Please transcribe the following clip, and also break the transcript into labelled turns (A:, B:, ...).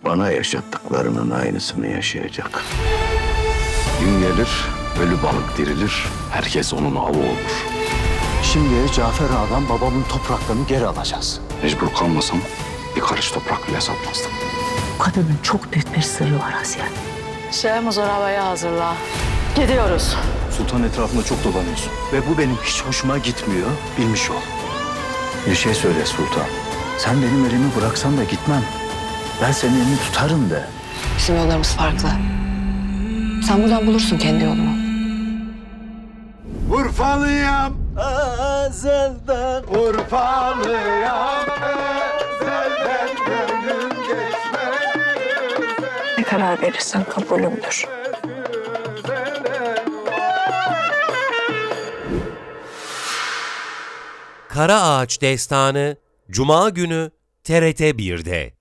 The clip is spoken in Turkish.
A: bana yaşattıklarının aynısını yaşayacak. Gün gelir, ölü balık dirilir, herkes onun avı olur.
B: Şimdi Cafer Ağa'dan babamın topraklarını geri alacağız.
A: Mecbur kalmasam bir karış toprak bile satmazdım.
C: Bu kadının çok büyük bir sırrı var Asiye.
D: Şeyhimiz arabayı hazırla. Gidiyoruz.
B: Sultan etrafında çok dolanıyorsun. Ve bu benim hiç hoşuma gitmiyor, bilmiş ol. Bir şey söyle Sultan. Sen benim elimi bıraksan da gitmem. Ben senin elini tutarım de.
E: Bizim yollarımız farklı. Sen buradan bulursun kendi yolunu.
A: Urfalıyam,
B: Ezelden
A: Urfalıyam, ezelden gönlüm geçmez.
C: Ne karar verirsen kabulümdür.
F: Kara Ağaç Destanı Cuma günü TRT 1'de.